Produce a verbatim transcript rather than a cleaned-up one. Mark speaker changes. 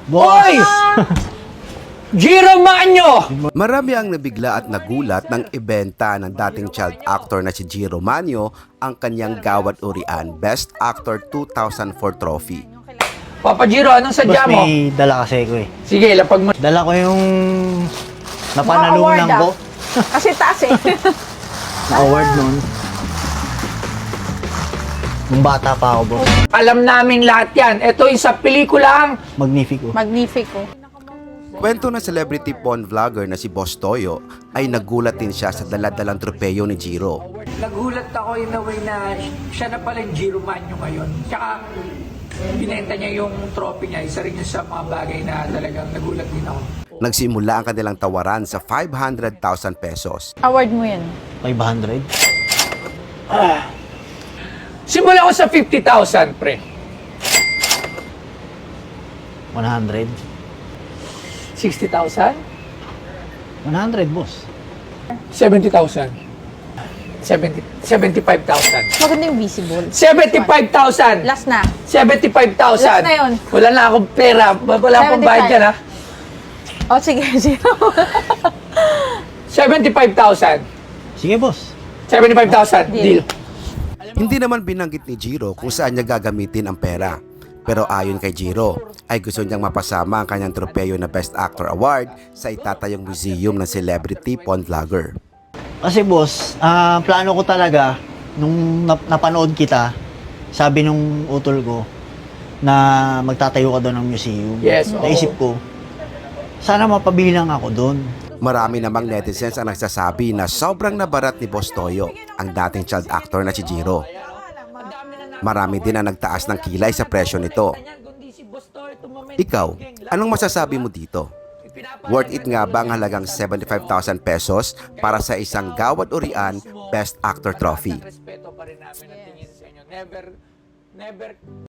Speaker 1: Boy! Jiro Manyo!
Speaker 2: Marami ang nabigla at nagulat nang ibenta ng dating child actor na si Jiro Manyo ang kanyang Gawad Urian Best Actor two thousand four trophy.
Speaker 1: Papa Jiro, anong sadya
Speaker 3: Boss,
Speaker 1: mo?
Speaker 3: may dala kasi ko eh.
Speaker 1: Sige, lapag mo.
Speaker 3: Dala ko yung
Speaker 4: Mga
Speaker 3: napanalunan
Speaker 4: award,
Speaker 3: ko.
Speaker 4: ah. Kasi taas eh.
Speaker 3: Na-award nun. Nung bata pa ako, boss.
Speaker 1: Alam namin lahat yan. Ito yung sa pelikulang
Speaker 3: Magnifico.
Speaker 4: Magnifico.
Speaker 2: Kwento ng celebrity porn vlogger na si Boss Toyo ay nagulat din siya sa daladalang tropeyo ni Jiro.
Speaker 1: Nagulat ako in a way na siya na pala yung Jiro Manyo ngayon. Tsaka binenta niya yung trophy niya. Isa rin yun sa mga bagay na talagang nagulat din ako.
Speaker 2: Nagsimula ang kanilang tawaran sa five hundred thousand pesos.
Speaker 4: Award mo yan.
Speaker 3: five hundred.
Speaker 1: Simula ko sa fifty thousand, pre.
Speaker 3: one hundred.
Speaker 1: sixty thousand?
Speaker 3: one hundred, boss.
Speaker 1: seventy thousand. seventy, seventy-five thousand.
Speaker 4: Maganda yung visible.
Speaker 1: seventy-five thousand.
Speaker 4: Last na.
Speaker 1: seventy-five thousand.
Speaker 4: Last na yun.
Speaker 1: Wala na akong pera. Wala akong bayad dyan, ha?
Speaker 4: Oh, sige, zero.
Speaker 1: seventy-five thousand.
Speaker 3: Sige, boss.
Speaker 1: seventy-five thousand. Deal.
Speaker 4: Deal.
Speaker 2: Hindi naman binanggit ni Jiro kung saan niya gagamitin ang pera. Pero ayon kay Jiro, ay gusto niyang mapasama ang kanyang tropeyo na Best Actor Award sa itatayong museum ng celebrity porn vlogger.
Speaker 3: Kasi boss, ah, plano ko talaga, nung nap- napanood kita, sabi nung utol ko, na magtatayo ka doon ng museum.
Speaker 1: Yes, oo.
Speaker 3: Naisip ko, sana mapabilang ako doon.
Speaker 2: Marami namang netizens ang nagsasabi na sobrang nabarat ni Boss Toyo, ang dating child actor na si Jiro. Marami din ang nagtaas ng kilay sa presyo nito. Ikaw, anong masasabi mo dito? Worth it nga ba ang halagang seventy-five thousand pesos para sa isang Gawad Urian Best Actor Trophy?
Speaker 1: Respeto pa rin namin ang tingin sa inyo. Never, never